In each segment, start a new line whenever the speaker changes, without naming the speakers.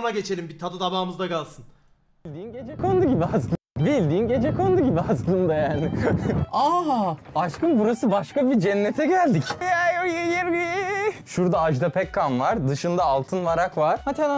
ona geçelim. Bir tadı damağımızda kalsın.
Bildiğin gecekondu gibi aslında. Bildiğin gecekondu gibi aslında yani. Aa, aşkım burası başka bir cennete geldik. Şurada Ajda Pekkan var. Dışında Altın Varak var.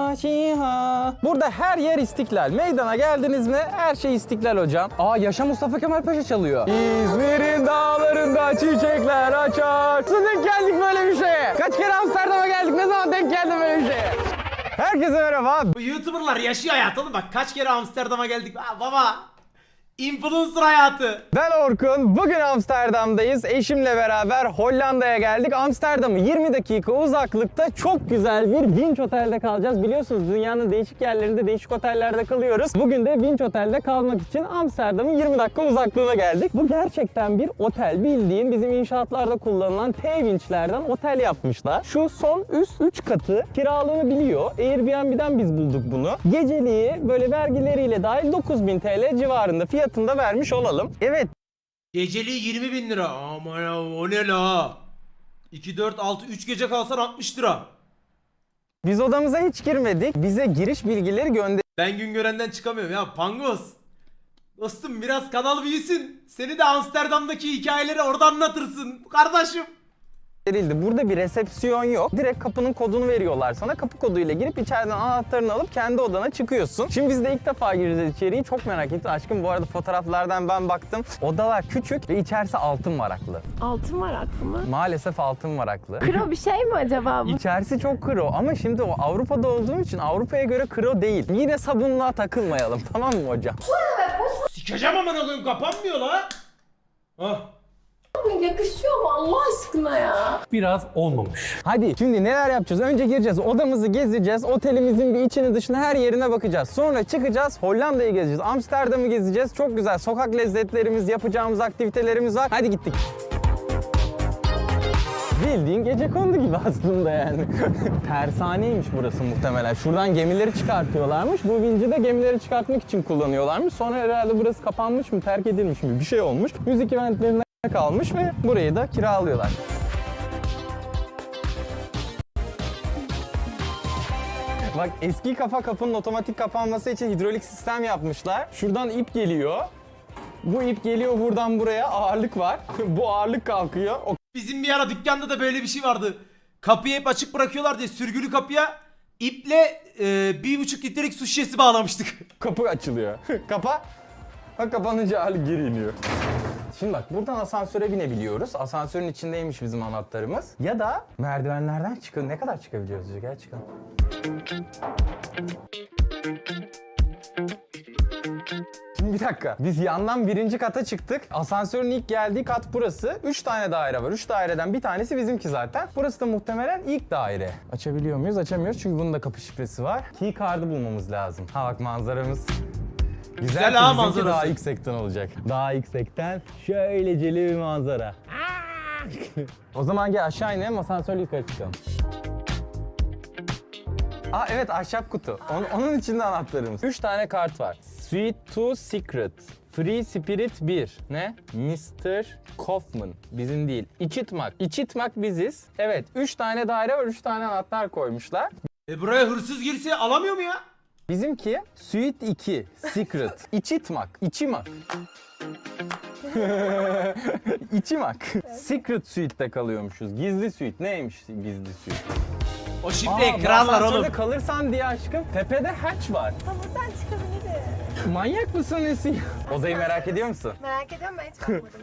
Burada her yer İstiklal. Meydana geldiniz mi? Her şey İstiklal hocam. Aa, Yaşa Mustafa Kemal Paşa çalıyor. İzmir'in dağlarında çiçekler açar. Nasıl denk geldik böyle bir şeye? Kaç kere Amsterdam'a geldik? Ne zaman denk geldim böyle bir şeye? Herkese merhaba.
Bu YouTuber'lar yaşıyor hayat oğlum. Bak kaç kere Amsterdam'a geldik. Aa, baba. Influencer hayatı.
Ben Orkun. Bugün Amsterdam'dayız. Eşimle beraber Hollanda'ya geldik. Amsterdam'ı 20 dakika uzaklıkta çok güzel bir Vinç Otel'de kalacağız. Biliyorsunuz dünyanın değişik yerlerinde değişik otellerde kalıyoruz. Bugün de Vinç Otel'de kalmak için Amsterdam'ın 20 dakika uzaklığına geldik. Bu gerçekten bir otel. Bildiğin bizim inşaatlarda kullanılan T-Vinç'lerden otel yapmışlar. Şu son üst 3 katı kiralanabiliyor. Airbnb'den biz bulduk bunu. Geceliği böyle vergileriyle dahil 9.000 TL civarında fiyatında vermiş olalım. Evet.
Geceliği 20.000 lira. Aman ya, o ne la? 2, 4, 6, 3 gece kalsan 60 lira.
Biz odamıza hiç girmedik. Bize giriş bilgileri gönder.
Ben Güngören'den çıkamıyorum ya Pangos. Dostum biraz kanal büyüsün. Seni de Amsterdam'daki hikayeleri orada anlatırsın. Kardeşim.
Burada bir resepsiyon yok. Direkt kapının kodunu veriyorlar sana. Kapı koduyla girip içeriden anahtarını alıp kendi odana çıkıyorsun. Şimdi biz de ilk defa gireceğiz içeriği. Çok merak ettim. Aşkım bu arada fotoğraflardan ben baktım. Odalar küçük ve içerisi altın varaklı.
Altın varaklı mı?
Maalesef altın varaklı.
Kro bir şey mi acaba bu?
İçerisi çok kro ama şimdi o Avrupa'da olduğum için Avrupa'ya göre kro değil. Yine sabunluğa takılmayalım, tamam mı hocam?
Sikeceğim amına koyayım, kapanmıyor la. Hah.
Yakışıyor mu Allah aşkına ya?
Biraz olmamış.
Hadi şimdi neler yapacağız? Önce gireceğiz, odamızı gezeceğiz, otelimizin bir içini dışını her yerine bakacağız. Sonra çıkacağız, Hollanda'yı gezeceğiz, Amsterdam'ı gezeceğiz. Çok güzel sokak lezzetlerimiz, yapacağımız aktivitelerimiz var. Hadi gittik. Bildiğin gecekondu gibi aslında yani. Tersaneymiş burası muhtemelen. Şuradan gemileri çıkartıyorlarmış. Bu vinci de gemileri çıkartmak için kullanıyorlarmış. Sonra herhalde burası kapanmış mı, terk edilmiş mi bir şey olmuş. Müzik eventlerine kalmış ve burayı da kiralıyorlar. Bak eski kafa kapının otomatik kapanması için hidrolik sistem yapmışlar. Şuradan ip geliyor. Bu ip geliyor buradan buraya, ağırlık var. Bu ağırlık kalkıyor.
Bizim bir ara dükkanda da böyle bir şey vardı. Kapıyı hep açık bırakıyorlar diye sürgülü kapıya iple 1,5 litrelik su şişesi bağlamıştık.
Kapı açılıyor. Kapa. Bak kapanınca ağırlık geri iniyor. Şimdi bak buradan asansöre binebiliyoruz. Asansörün içindeymiş bizim anahtarımız. Ya da merdivenlerden çıkın. Ne kadar çıkabiliyoruz? Gel çıkalım. Şimdi bir dakika. Biz yandan birinci kata çıktık. Asansörün ilk geldiği kat burası. 3 tane daire var. 3 daireden bir tanesi bizimki zaten. Burası da muhtemelen ilk daire. Açabiliyor muyuz? Açamıyoruz çünkü bunun da kapı şifresi var. Key card'ı bulmamız lazım. Ha bak manzaramız. Güzel
ha
bizimki
manzarası.
daha yüksekten olacak. Daha yüksekten şöyleceli bir manzara. O zaman gel aşağı inelim, asansörle yukarı çıkalım. Aa evet, ahşap kutu. Onun içinde anahtarımız. 3 tane kart var. Suite 2 Secret. Free Spirit 1. Ne? Mr. Kaufman. Bizim değil. İçitmak. İçitmak biziz. Evet 3 tane daire var, 3 tane anahtar koymuşlar.
Buraya hırsız girse alamıyor mu ya?
Bizimki Suite 2 Secret. İçitmak. İçimak. İçimak. Secret Suite'de kalıyormuşuz. Gizli suite. Neymiş gizli suite?
O şifreyi kırarlar oğlum.
Asansörde kalırsan diye aşkım tepede hatch var.
Ha buradan çıkabilirim.
Manyak mısın Esin? Odayı merak ediyor musun?
Merak ediyorum ben hiç bakmadım.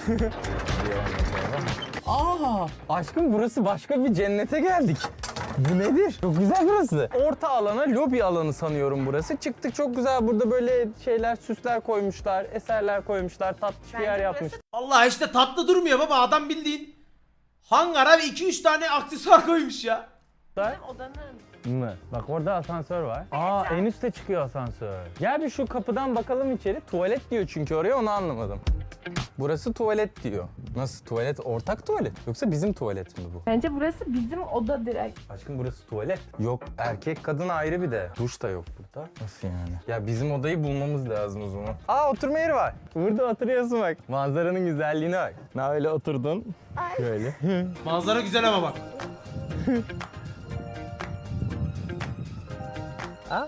Aa, aşkım burası başka bir cennete geldik. Bu nedir? Çok güzel burası. Orta alana, lobi alanı sanıyorum burası. Çıktık çok güzel, burada böyle şeyler, süsler koymuşlar, eserler koymuşlar, tatlış bir yer
Bence
yapmış.
Allah işte tatlı durmuyor baba, adam bildiğin hangara ve 2-3 tane aksesuar koymuş ya.
Odanın.
Mı? Bak orada asansör var. Aa en üste çıkıyor asansör. Gel bir şu kapıdan bakalım içeri. Tuvalet diyor çünkü oraya, onu anlamadım. Burası tuvalet diyor. Nasıl tuvalet? Ortak tuvalet. Yoksa bizim tuvalet mi bu?
Bence burası bizim oda direkt.
Aşkım burası tuvalet. Yok erkek kadın ayrı bir de. Duş da yok burada. Nasıl yani? Ya bizim odayı bulmamız lazım o zaman. Aa oturma yeri var. Burada oturuyorsun bak. Manzaranın güzelliğine bak. Ne öyle oturdun? Şöyle.
Manzara güzel ama bak.
Ha?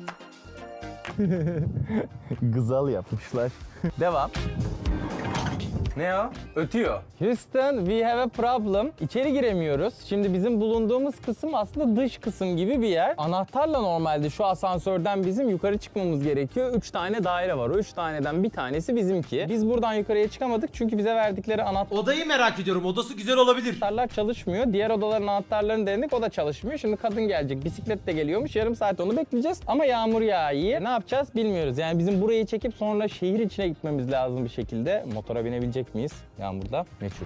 Gızal yapmışlar. Devam. Ne o? Ötüyor. Houston, we have a problem. İçeri giremiyoruz. Şimdi bizim bulunduğumuz kısım aslında dış kısım gibi bir yer. Anahtarla normalde şu asansörden bizim yukarı çıkmamız gerekiyor. 3 tane daire var. O 3 taneden bir tanesi bizimki. Biz buradan yukarıya çıkamadık çünkü bize verdikleri
Odayı merak ediyorum. Odası güzel olabilir.
anahtarlar çalışmıyor. Diğer odaların anahtarlarını denedik, o da çalışmıyor. Şimdi kadın gelecek, bisikletle geliyormuş. Yarım saat onu bekleyeceğiz. Ama yağmur yağıyor. Ne yapacağız bilmiyoruz. Yani bizim burayı çekip sonra şehir içine gitmemiz lazım bir şekilde. Motora binebilecek miyiz yağmurda? Meçhul.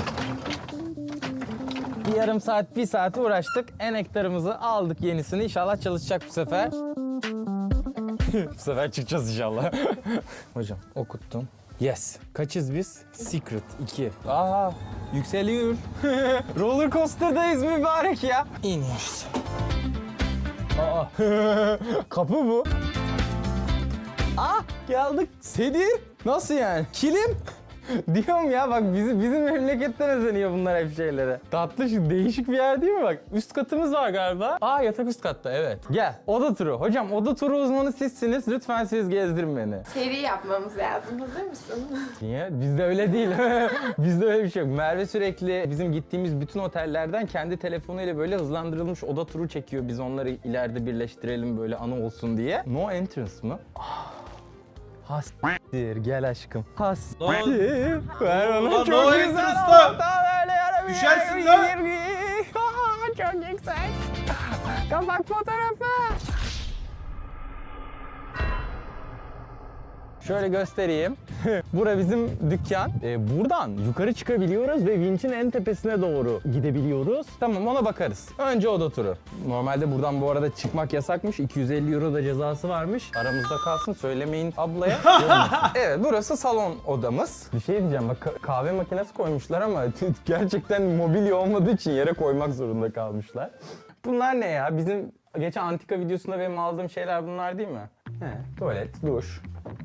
Bir yarım saat, bir saat uğraştık. Enektarımızı aldık, yenisini. İnşallah çalışacak bu sefer. Bu sefer çıkacağız inşallah. Hocam okuttum. Yes. Kaçız biz? Secret 2. Aa, yükseliyor. Roller coaster'dayız mübarek ya. İniyoruz. Aa, kapı bu. Ah, geldik. Sedir. Nasıl yani? Kilim. Diyorum ya bak bizim memleketten özeniyor bunlar hep şeylere. Tatlı şu değişik bir yer değil mi bak? Üst katımız var galiba. Aa, yatak üst katta, evet. Gel, oda turu. Hocam oda turu uzmanı sizsiniz. Lütfen siz gezdirin beni.
Seri yapmamız lazım. Hazır mısın?
Niye? Bizde öyle değil. Bizde öyle bir şey yok. Merve sürekli bizim gittiğimiz bütün otellerden kendi telefonuyla böyle hızlandırılmış oda turu çekiyor. Biz onları ileride birleştirelim böyle anı olsun diye. No entrance mı? Hastir, gel aşkım. Hastir. Ver bana
Ulan
çok
no
güzel.
entrance
Hatta
lan.
böyle yarabı
Düşersin
yer-
lan.
Çok yüksek. Kapak fotoğrafı. Şöyle göstereyim. Bura bizim dükkan. Buradan yukarı çıkabiliyoruz ve vinçin en tepesine doğru gidebiliyoruz. Tamam, ona bakarız. Önce oda turu. Normalde buradan bu arada çıkmak yasakmış. 250 euro da cezası varmış. Aramızda kalsın, söylemeyin ablaya. Evet, burası salon odamız. Bir şey diyeceğim, bak kahve makinesi koymuşlar ama gerçekten mobilya olmadığı için yere koymak zorunda kalmışlar. Bunlar ne ya? Bizim geçen antika videosunda benim aldığım şeyler bunlar değil mi? He, tuvalet, duş.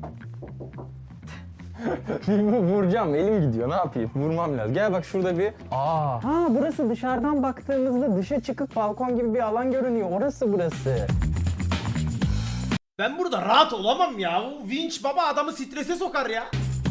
Vuracağım, elim gidiyor, ne yapayım? Vurmam lazım. Gel bak şurada bir... Aa. Ha, burası dışarıdan baktığımızda dışa çıkıp balkon gibi bir alan görünüyor. Orası burası.
Ben burada rahat olamam ya. O vinç baba adamı strese sokar ya.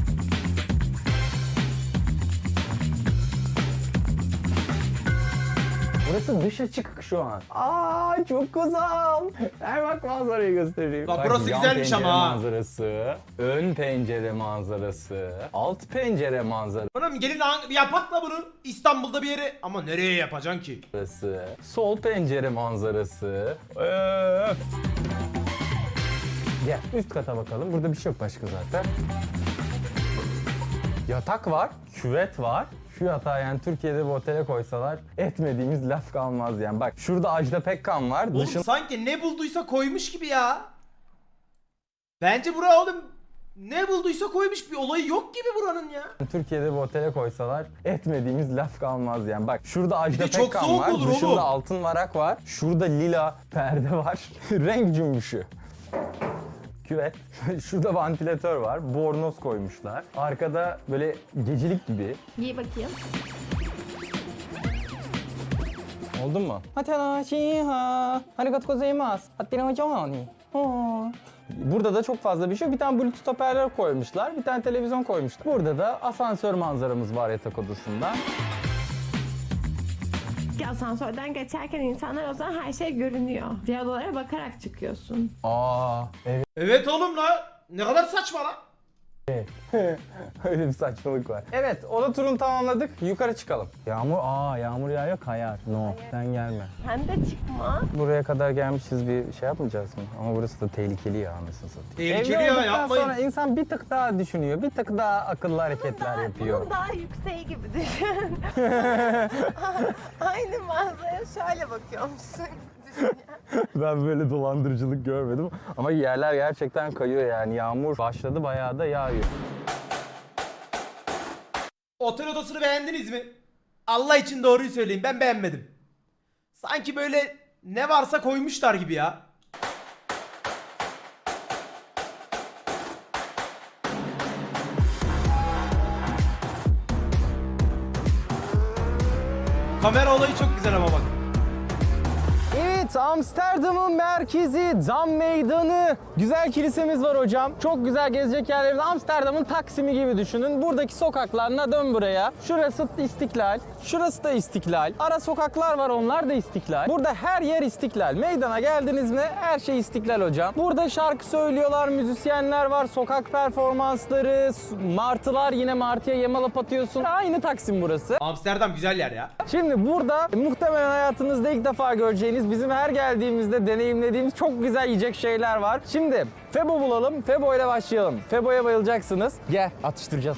Burası dışa çıkık şu an. Aa, çok güzel. Ver bak manzarayı göstereyim.
Bak burası
yan
güzelmiş
pencere
ama ha.
manzarası, ön pencere manzarası, alt pencere manzarası.
Oğlum gelin yapak la bunu İstanbul'da bir yere. Ama nereye yapacaksın ki?
Sol pencere manzarası. Öf. Gel üst kata bakalım. Burada bir şey yok başka zaten. Yatak var, küvet var. Şu yatağı yani Türkiye'de bir otele koysalar etmediğimiz laf kalmaz yani. Bak şurada Ajda Pekkan var.
Oğlum sanki ne bulduysa koymuş gibi ya. Bence bura oğlum ne bulduysa koymuş, bir olayı yok gibi buranın ya.
Türkiye'de bir otele koysalar etmediğimiz laf kalmaz yani. Bak şurada Ajda
de çok
Pekkan
soğuk
var.
olur
Dışında
oğlum.
altın varak var. Şurada lila perde var. Renk cümbüşü. Küvet. Şurada vantilatör var. Bornoz koymuşlar. Arkada böyle gecelik gibi.
Giy bakayım.
Oldu mu? Burada da çok fazla bir şey yok. Bir tane Bluetooth hoparlör koymuşlar. Bir tane televizyon koymuşlar. Burada da asansör manzaramız var yatak odasında.
Asansörden geçerken insanlar o zaman her şey görünüyor. Diğer odalara bakarak çıkıyorsun.
Aa, evet.
Evet oğlum la. Ne kadar saçma la.
Öyle bir saçmalık var. Evet, oda turunu tamamladık. Yukarı çıkalım. Yağmur yağıyor, kayar. No, sen gelme.
Sen de çıkma.
Buraya kadar gelmişiz, bir şey yapmayacağız mı? Ama burası da tehlikeli ya, anasını satayım.
Tehlikeli
Evli
ya,
olduktan
yapmayın.
sonra insan bir tık daha düşünüyor, bir tık daha akıllı hareketler yapıyor.
Bunun daha yükseği gibi düşün. Aynı manzaraya şöyle bakıyormuşsun.
Ben böyle dolandırıcılık görmedim. Ama yerler gerçekten kayıyor yani. Yağmur başladı, bayağı da yağıyor.
Otel odasını beğendiniz mi? Allah için doğruyu söyleyin, ben beğenmedim. Sanki böyle ne varsa koymuşlar gibi ya. Kamera olayı çok güzel ama bak.
Evet, Evet, Amsterdam'ın merkezi, Dam Meydanı. Güzel kilisemiz var hocam. Çok güzel gezecek yerlerimiz. Amsterdam'ın Taksim'i gibi düşünün. Buradaki sokaklarına dön buraya. Şurası İstiklal, şurası da İstiklal. Ara sokaklar var, onlar da İstiklal. Burada her yer İstiklal. Meydana geldiniz mi her şey İstiklal hocam. Burada şarkı söylüyorlar, müzisyenler var, sokak performansları, martılar, yine martıya yemalap atıyorsun. Aynı Taksim burası.
Amsterdam güzel yer ya.
Şimdi burada muhtemelen hayatınızda ilk defa göreceğiniz, bizim her geldiğimizde deneyimlediğimiz çok güzel yiyecek şeyler var. Şimdi Febo bulalım, Febo ile başlayalım. Febo'ya bayılacaksınız. Gel, atıştıracağız.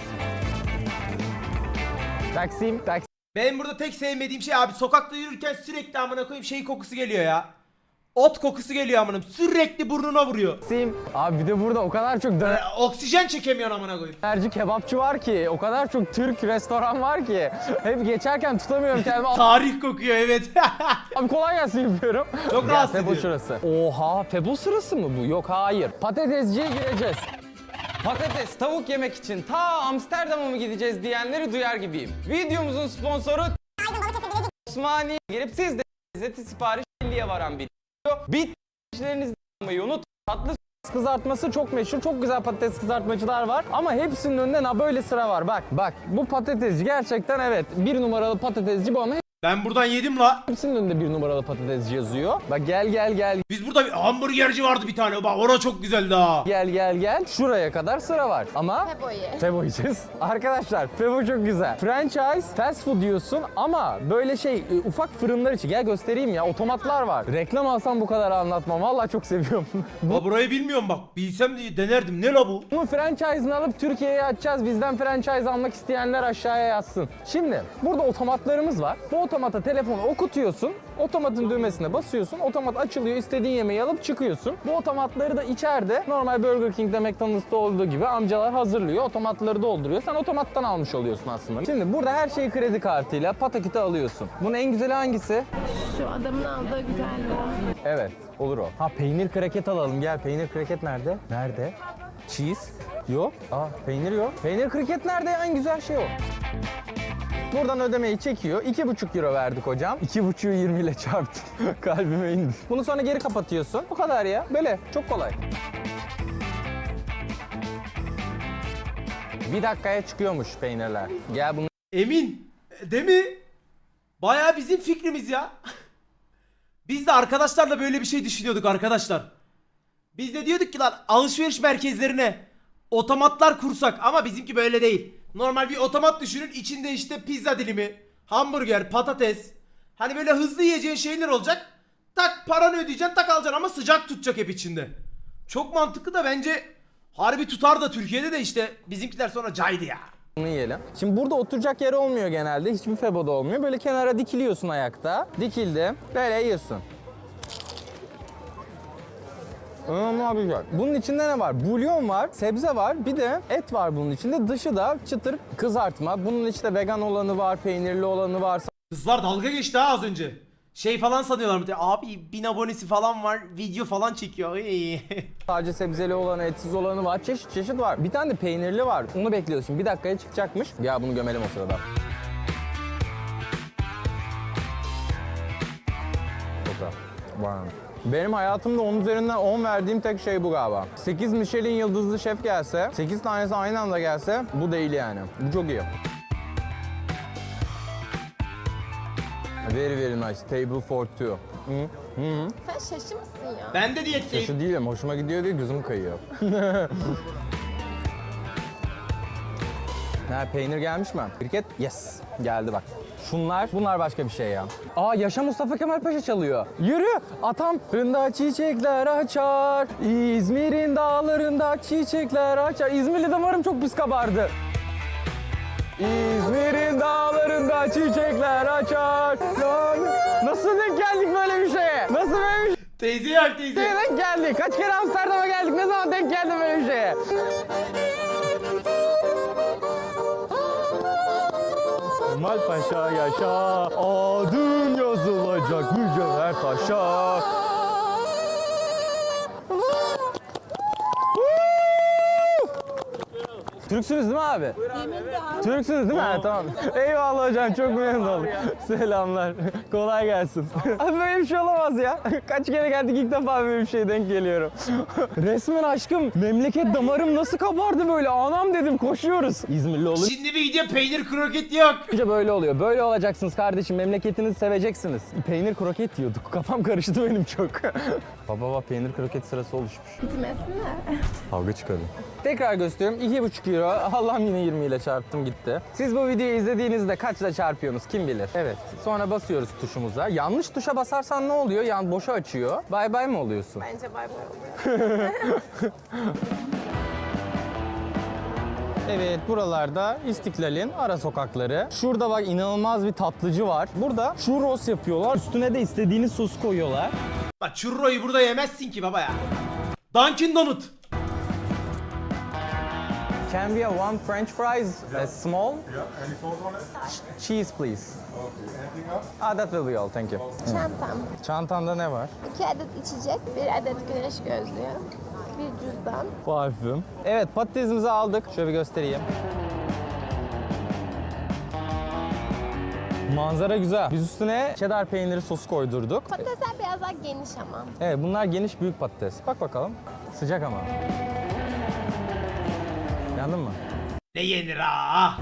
Taksim.
Benim burada tek sevmediğim şey abi, sokakta yürürken sürekli amına koyayım şey kokusu geliyor ya. Ot kokusu geliyor amınım. Sürekli burnuna vuruyor.
Abi bir de burada o kadar çok
Oksijen çekemiyor amına koyayım.
dönerci, kebapçı var ki, o kadar çok Türk restoran var ki. Hep geçerken tutamıyorum kendimi.
Tarih kokuyor evet.
Abi kolay gelsin yapıyorum.
Çok
Gel,
rahatsız
Febo
ediyor.
şurası. Oha, Febo sırası mı bu? Yok, hayır. Patatesciye gireceğiz. Patates, tavuk yemek için ta Amsterdam'a mı gideceğiz diyenleri duyar gibiyim. Videomuzun sponsoru Osmaniye. Girip siz de lezzeti sipariş 50'ye varan bir video. Bitmişlerinizi almayı unut. Tatlı kızartması çok meşhur. Çok güzel patates kızartmacılar var. Ama hepsinin önünde böyle sıra var. Bak bu patatesci gerçekten evet. Bir numaralı patatesci bu ama
Ben buradan yedim la.
hepsinin önünde bir numaralı patatesci yazıyor. Bak gel.
Biz burada bir hamburgerci vardı bir tane. Bak orası çok güzeldi ha.
Gel. Şuraya kadar sıra var. Ama Febo yiyeceğiz. Arkadaşlar Febo çok güzel. Franchise, fast food diyorsun ama böyle ufak fırınlar için. Gel göstereyim ya, otomatlar var. Reklam alsam bu kadar anlatmam. Vallahi çok seviyorum.
Ba burayı bilmiyorum bak. Bilsem diye denerdim. Ne la bu?
Bunun franchise'ını alıp Türkiye'ye açacağız. Bizden franchise almak isteyenler aşağıya yazsın. Şimdi burada otomatlarımız var. Bu otomata telefonu okutuyorsun. Otomatın düğmesine basıyorsun. Otomat açılıyor. İstediğin yemeği alıp çıkıyorsun. Bu otomatları da içeride normal Burger King'de, McDonald's'ta olduğu gibi amcalar hazırlıyor. Otomatları dolduruyor. Sen otomattan almış oluyorsun aslında. Şimdi burada her şeyi kredi kartıyla pataküte alıyorsun. Bunun en güzeli hangisi?
Şu adamın aldığı güzeldi o.
Evet, olur o. Ha, peynir kraket alalım. Gel, peynir kraket nerede? Nerede? Cheese? Yok. Peynir yok. Peynir kraket nerede? En güzel şey o. Buradan ödemeyi çekiyor. 2,5 euro verdik hocam. 2,5'ü 20 ile çarptım. Kalbime indi. Bunu sonra geri kapatıyorsun. Bu kadar ya. Böyle. Çok kolay. Bir dakikaya çıkıyormuş peynirler. Gel bunu.
Emin. Değil mi? Bayağı bizim fikrimiz ya. Biz de arkadaşlarla böyle bir şey düşünüyorduk arkadaşlar. Biz de diyorduk ki lan alışveriş merkezlerine otomatlar kursak, ama bizimki böyle değil. Normal bir otomat düşünün, içinde işte pizza dilimi, hamburger, patates. Hani böyle hızlı yiyeceğin şeyler olacak. Tak paranı ödeyeceksin, tak alacaksın ama sıcak tutacak hep içinde. Çok mantıklı da bence harbi tutar da Türkiye'de de işte bizimkiler sonra caydı ya.
Bunu yiyelim. Şimdi burada oturacak yer olmuyor genelde. Hiçbir Febo'da olmuyor. Böyle kenara dikiliyorsun ayakta. Dikildim. Böyle yiyorsun. Abi güzel. Bunun içinde ne var? Bulyon var, sebze var, bir de et var bunun içinde. Dışı da çıtır kızartma. Bunun işte vegan olanı var, peynirli olanı var.
Kızlar dalga geçti ha az önce. Şey falan sanıyorlar mı? Abi 1000 abonesi falan var, video falan çekiyor.
Sadece sebzeli olanı, etsiz olanı var. Çeşit var. Bir tane de peynirli var. Onu bekliyoruz şimdi. Bir dakikaya çıkacakmış. Ya bunu gömelim o sırada. Wow. Benim hayatımda 10 üzerinden 10 verdiğim tek şey bu galiba. 8 Michelin yıldızlı şef gelse, 8 tanesi aynı anda gelse bu değil yani. Bu çok iyi. Very nice. Table for two.
Sen şaşı mısın ya?
Ben de diyetteyim.
Şu değilim. Hoşuma gidiyor diye gözüm kayıyor. Peynir gelmiş mi? Kriket? Yes. Geldi bak. Bunlar başka bir şey ya. Yaşa Mustafa Kemal Paşa çalıyor. Yürü. Atam. Fırında çiçekler açar. İzmir'in dağlarında çiçekler açar. İzmirli damarım çok pis kabardı. İzmir'in dağlarında çiçekler açar. Nasıl denk geldik böyle bir şeye? Nasıl böyle bir
Teyze yak teyze.
şeye denk geldik? Kaç kere Amsterdam'a geldik? Ne zaman denk geldi böyle bir şeye? Kemal Paşa yaşa, adın yazılacak mücevher taşa. Türksünüz değil mi abi? Türksünüz değil mi? Ha, tamam. Eyvallah hocam, çok memnun oldum. Selamlar. Kolay gelsin. Abi böyle bir şey olamaz ya. Kaç kere geldik, ilk defa böyle bir şey denk geliyorum. Resmen aşkım, memleket damarım nasıl kabardı böyle. Anam dedim, koşuyoruz. İzmirli olunca
Şimdi bir video peynir kroket yok.
böyle oluyor. Böyle olacaksınız kardeşim. Memleketinizi seveceksiniz. Peynir kroket yiyorduk. Kafam karıştı benim çok. Baba peynir kroket sırası oluşmuş.
Gitmesinler.
Kavga çıkardı. Tekrar gösteriyorum. 2,5 euro. Allah'ım yine 20 ile çarptım gitti. Siz bu videoyu izlediğinizde kaçla çarpıyorsunuz kim bilir? Evet. Sonra basıyoruz tuşumuza. Yanlış tuşa basarsan ne oluyor? Yani boşa açıyor. Bay bay mı oluyorsun?
Bence bay bay oluyor.
Evet, buralarda İstiklal'in ara sokakları. Şurada bak inanılmaz bir tatlıcı var. Burada churros yapıyorlar. Üstüne de istediğiniz sos koyuyorlar.
Bak churro'yu burada yemezsin ki baba ya. Dunkin Donut.
Can we have one French fries, small?
Yeah, any sauce on it?
Cheese please.
Okay, anything else?
That will be all, thank you.
Çantam.
Çantanda ne var?
2 adet içecek, 1 adet güneş gözlüğü, bir cüzdan.
Parfüm. Evet, patatesimizi aldık. Şöyle bir göstereyim. Manzara güzel. Biz üstüne cheddar peyniri sosu koydurduk.
Patatesler biraz daha geniş ama.
Evet, bunlar geniş büyük patates. Bak bakalım. Sıcak ama. Yandın mı?
Ne yenir ha?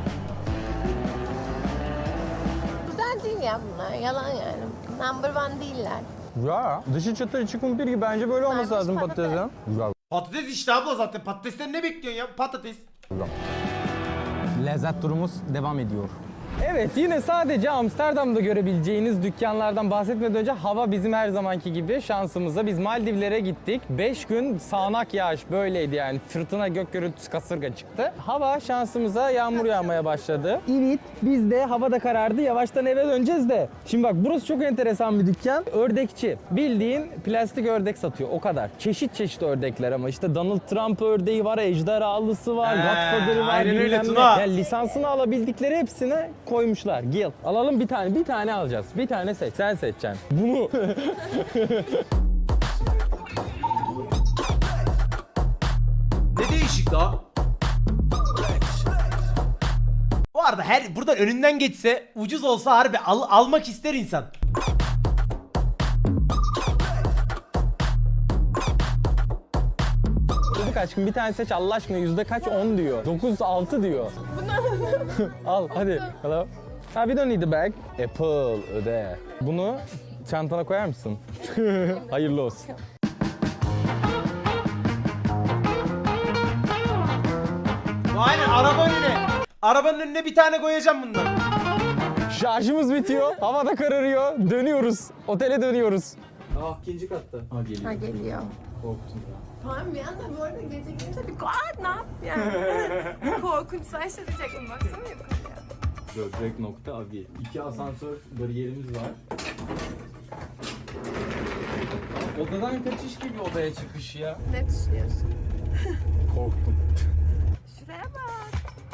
Güzel değil ya bunlar, yalan yani. Number one değiller.
Ya, dışı çıtır içi kumpir gibi, bence böyle olması
Sarmış
lazım
patates.
patatesin. Güzel.
Patates işte abla zaten. Patatesten ne bekliyorsun ya? Patates.
Lezzet turumuz devam ediyor. Evet, yine sadece Amsterdam'da görebileceğiniz dükkanlardan bahsetmeden önce hava bizim her zamanki gibi şansımıza. Biz Maldivlere gittik. 5 gün sağanak yağış böyleydi yani. Fırtına, gök gürültüsü, kasırga çıktı. Hava şansımıza yağmur yağmaya başladı. Evet, biz de havada karardı. Yavaştan eve döneceğiz de. Şimdi bak, burası çok enteresan bir dükkan. Ördekçi. Bildiğin plastik ördek satıyor. O kadar. Çeşit çeşit ördekler ama işte Donald Trump ördeği var, ejderhalısı var, Godfather'ı var.
aynen öyle
bilmem ne.
Tuna.
Yani lisansını alabildikleri hepsine koymuşlar. Gil. Alalım bir tane. Bir tane alacağız. Bir tane seç. Sen seçeceksin. Bunu.
Ne değişik la? Bu arada buradan önünden geçse ucuz olsa harbi almak ister insan.
Dedik aşkım bir tane seç Allah aşkına, yüzde kaç? 10 diyor. 9, 6 diyor. Al hadi. Hello. Ha, we don't need the bag. Apple öde. Bunu çantana koyar mısın? Hayırlı olsun.
Aynen araba önüne. Arabanın önüne bir tane koyacağım bundan.
Şarjımız bitiyor. Havada kararıyor. Dönüyoruz. Otele dönüyoruz.
Ha geliyor.
Korktum.
Tamam bir anda bu arada gece gelince bir ne yap yani. Korkunç başlayacaktım baksana yukarıya.
Böbrek nokta abi. 2 asansör bariyerimiz var. Odadan kaçış gibi odaya çıkış ya.
Ne düşünüyorsun?
Korktum.
Şuraya bak.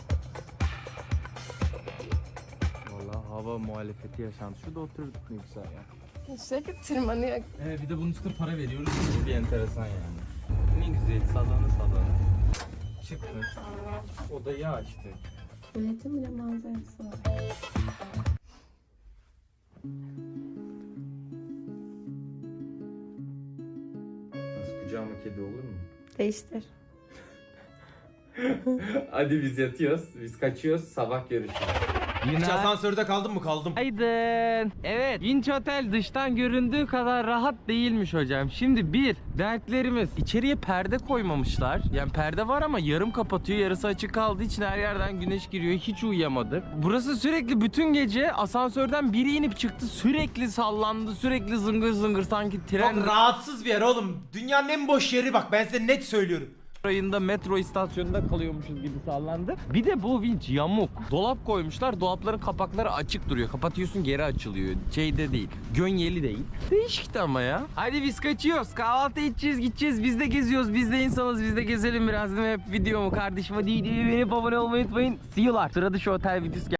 Vallahi hava muhalefeti yaşandı. Şurada oturduk ne güzel ya.
Sürekli tırmanıyor.
Evet, bir de bunun üstüne para veriyoruz. Bu bir enteresan yani. Ne güzel sallana. Çıktık. Odayı açtık.
Milletin bile manzarası var.
Nasıl, kucağıma kedi olur mu?
Değiştir.
Hadi biz yatıyoruz. Biz kaçıyoruz. Sabah görüşürüz.
Hiç asansörde kaldın mı? Kaldım.
Aydın. Evet, Vinç Otel dıştan göründüğü kadar rahat değilmiş hocam. Şimdi dertlerimiz. İçeriye perde koymamışlar. Yani perde var ama yarım kapatıyor. Yarısı açık kaldığı için her yerden güneş giriyor. Hiç uyuyamadık. Burası sürekli bütün gece asansörden biri inip çıktı. Sürekli sallandı. Sürekli zıngır zıngır sanki tren
Çok rahatsız bir yer oğlum. Dünyanın en boş yeri bak ben size net söylüyorum.
rayında metro istasyonunda kalıyormuşuz gibi sallandı. Bir de bu vinç yamuk. Dolap koymuşlar. Dolapların kapakları açık duruyor. Kapatıyorsun geri açılıyor. Şeyde değil. Gönyeli değil. Değişikti ama ya. Hadi biz kaçıyoruz. Kahvaltı edeceğiz, gideceğiz. Biz de geziyoruz. Biz de insanız. Biz de gezelim biraz değil mi? Hep videomu kardeşim. Hadi beğenip abone olmayı unutmayın. See you'lar. Sıra dışı otel videosu